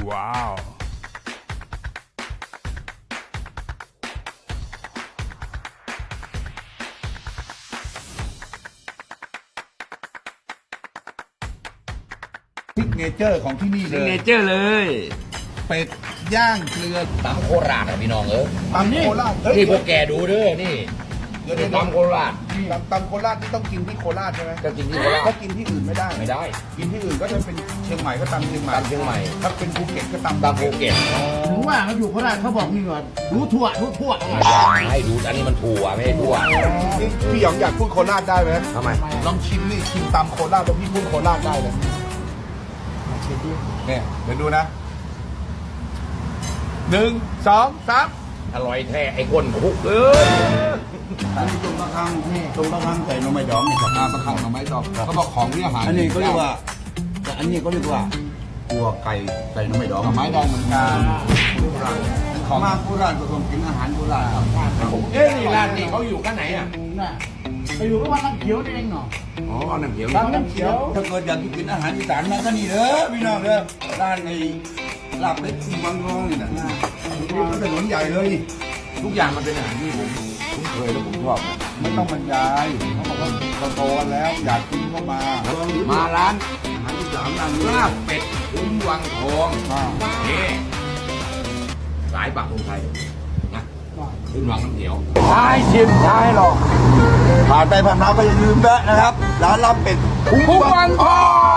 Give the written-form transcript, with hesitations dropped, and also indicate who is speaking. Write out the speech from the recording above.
Speaker 1: ว้าว
Speaker 2: ซิกเนเจอร์ของที่นี่เล
Speaker 1: ซิกเน
Speaker 2: ย
Speaker 1: เจอร์เลย
Speaker 2: เป็ดย่างเกลือ
Speaker 3: ตำโคราชอ่ะพี่น้องเออ
Speaker 2: ตำโคราชเฮ้ย
Speaker 3: นี่พวกแกดูเด้อนี่
Speaker 2: เดี๋ยว
Speaker 3: ตำโคราช
Speaker 2: ตำโคราชที่ต้องกินที่โคราชใช่ไหม
Speaker 3: ก็กินที่โคราช
Speaker 2: ถ้ากินที่อื่นไม่ได้
Speaker 3: ไม่ได้
Speaker 2: กินที่อื่นก็จะเป็นเชียงใหม่ก็ตำเชียงใหม่
Speaker 3: ตำเชียงใหม่
Speaker 2: ถ้าเป็นภูเก็ตก็ตำ
Speaker 3: ตำภูเก็ต
Speaker 4: ถึงว่าเขาอยู่โคราชเขาบอกนี่ก่อนรู้ทั่ว
Speaker 3: ให้ดูอันนี้มันถั่วไม่ใช่ถั่ว
Speaker 2: พี่หยองอยากพูดโคราชได้ไหม
Speaker 3: ทำไม
Speaker 2: ลองชิมนี่ชิมตำโคราชแล้วพี่พูดโคราชได้เลยเนี่ยเดี๋ยวดูนะ1 2 3
Speaker 3: อร่อยแท้ไอ้ก้นคุกเอ้ย
Speaker 2: อันนี้ตรงประคังตรงประคังใส่หน่อไม้ดองเนี่ยครับประคังหน่อไม้ดองเขาบอกของที่อาหาร
Speaker 5: อันนี้ก็เรียกว่าแต่อันนี้ก็เรียกว่าตัวไก่ใส่น้ำไม่ดอง
Speaker 2: หน่อไม้ดองเหมือนกัน
Speaker 5: ของมาโคราชก็ต้องกินอาหารโคราชครับ
Speaker 3: เอ้ยนี่ร้านนี้เขาอยู่กันไหนอ่ะ
Speaker 4: น่ะไปอยู่ก็ว่าน้ำเขียวเองเนาะ
Speaker 3: อ๋อเอาน้ำเขียว
Speaker 4: ร้านน้ำเขียว
Speaker 5: ถ้าเกิดอยากกินอาหารอีสานมาก็นี่เด้อพี่น้องเด้อร้านในลาบเป็ดที่วังทองนี่นะนี่ก็ถนนใหญ่เลยนี่
Speaker 3: ทุกอย่างมันเป็นอาหารที่ผมคุ้นเคยและผมชอบนะ
Speaker 2: ไม่ต้องบรรยายเขาบอกว่าเราโตกันแล้วอยากกินก็มา
Speaker 3: มาร้าน
Speaker 5: อาหารอีสานร้านนี้
Speaker 3: ลาบเป็ดคุ้มวังทอง
Speaker 2: อ่า
Speaker 3: นี่สายปากคนไทยนะขึ้นวังน้ำเขียว
Speaker 5: ใช่ชิมใช่หรอกผ่านไปผ่านมาก็อย่าลืมแวะนะครับร้านลาบเป็ด
Speaker 3: คุ้มวังทอง